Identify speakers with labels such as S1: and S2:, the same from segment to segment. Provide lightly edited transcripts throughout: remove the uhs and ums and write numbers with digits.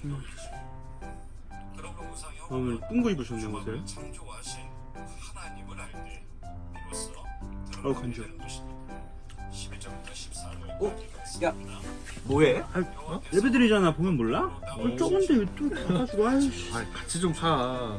S1: 오늘 뚱거 입으셨네 옷을. 간지러.
S2: 야, 뭐해?
S1: 예배드리잖아. 보면 몰라? 저건데 또 가가지고 아이씨.
S2: 같이 좀 가.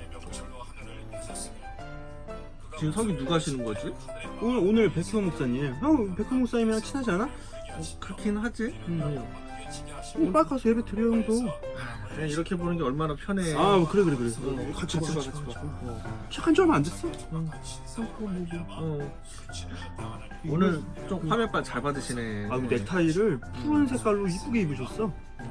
S2: 지금 설교 누가 하시는 거지?
S1: 오늘 백효 목사님. 형 백효 목사님이랑 친하지 않아?
S2: 그렇긴 하지.
S1: 빨리 가서 예배 드려 형도.
S2: 그냥 이렇게 보는 게 얼마나 편해.
S1: 그래. 같이 봐. 시작한 지 얼마 안 됐어.
S2: 오늘 좀 화면빨 잘 받으시네.
S1: 넥타이를 푸른 색깔로 이쁘게 입으셨어.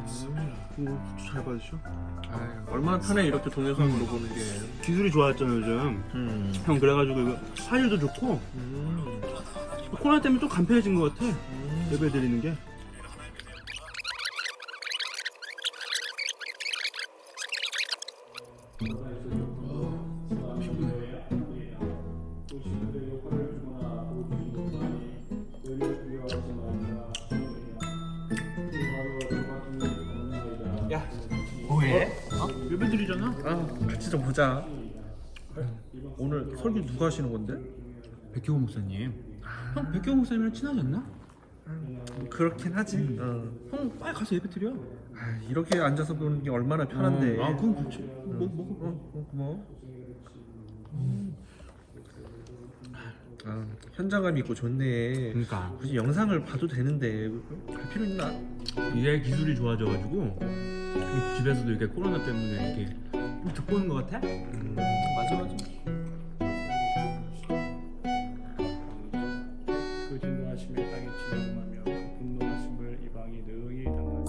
S1: 잘 받으셔.
S2: 얼마나 편해 이렇게 동영상으로 보는 게.
S1: 기술이 좋아졌잖아 요즘. 형 그래가지고 이거 화질도 좋고 코로나 때문에 좀 간편해진 것 같아. 예배 드리는 게.
S2: 야, 뭐해?
S1: 예배 드리잖아.
S2: 같이 좀 보자. 오늘 설교 누가 하시는 건데?
S1: 백효 목사님. 형 백효 목사님이랑 친하지 않나?
S2: 그렇긴 하지.
S1: 형 빨리 가서 예배 드려.
S2: 이렇게 앉아서 보는 게 얼마나 편한데.
S1: 그건 그렇지. 먹어.
S2: 고마워. 현장감 있고 좋네.
S1: 그러니까
S2: 굳이 영상을 봐도 되는데 갈 필요 있나?
S1: 이제 기술이 좋아져가지고 집에서도 이렇게 코로나 때문에 이렇게 듣고 있는 것 같아?
S2: 맞아.
S3: 그 진노하심에 땅이 진동하며 그 분노하심을 이방이 능히 당하니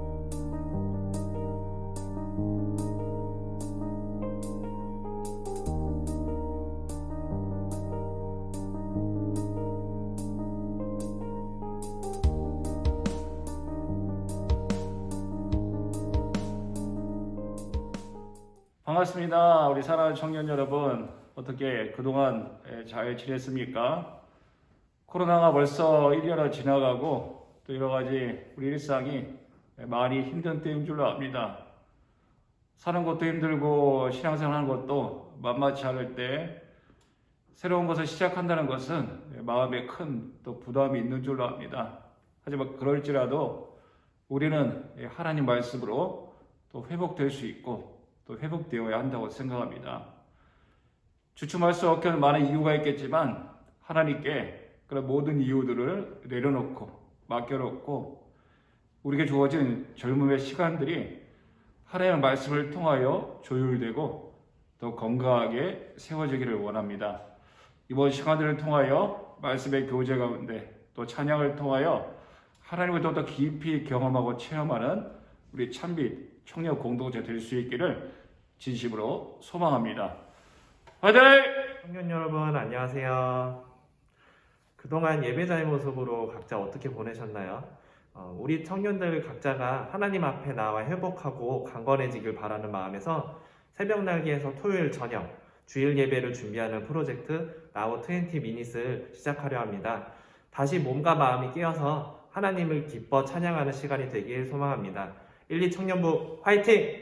S3: 반갑습니다. 우리 사랑하는 청년 여러분, 어떻게 그동안 잘 지냈습니까? 코로나가 벌써 1년을 지나가고 또 여러 가지 우리 일상이 많이 힘든 때인 줄로 압니다. 사는 것도 힘들고 신앙생활 하는 것도 만만치 않을 때 새로운 것을 시작한다는 것은 마음에 큰 또 부담이 있는 줄로 압니다. 하지만 그럴지라도 우리는 하나님 말씀으로 또 회복될 수 있고 또 회복되어야 한다고 생각합니다. 주춤할 수 없게 많은 이유가 있겠지만 하나님께 그런 모든 이유들을 내려놓고 맡겨놓고 우리에게 주어진 젊음의 시간들이 하나님의 말씀을 통하여 조율되고 더 건강하게 세워지기를 원합니다. 이번 시간들을 통하여 말씀의 교제 가운데 또 찬양을 통하여 하나님을 더 깊이 경험하고 체험하는 우리 찬빛 청년 공동체 될 수 있기를 진심으로 소망합니다. 화이팅!
S4: 청년 여러분 안녕하세요. 그동안 예배자의 모습으로 각자 어떻게 보내셨나요? 우리 청년들 각자가 하나님 앞에 나와 회복하고 강건해지길 바라는 마음에서 새벽 날개에서 토요일 저녁 주일 예배를 준비하는 프로젝트 Now 20 Minutes를 시작하려 합니다. 다시 몸과 마음이 깨어서 하나님을 기뻐 찬양하는 시간이 되길 소망합니다. 1, 2 청년부 화이팅!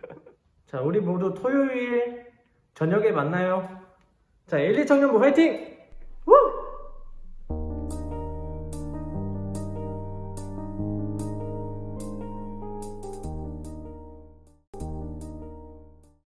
S5: 자, 우리 모두 토요일 저녁에 만나요. 자, 1, 2 청년부 화이팅!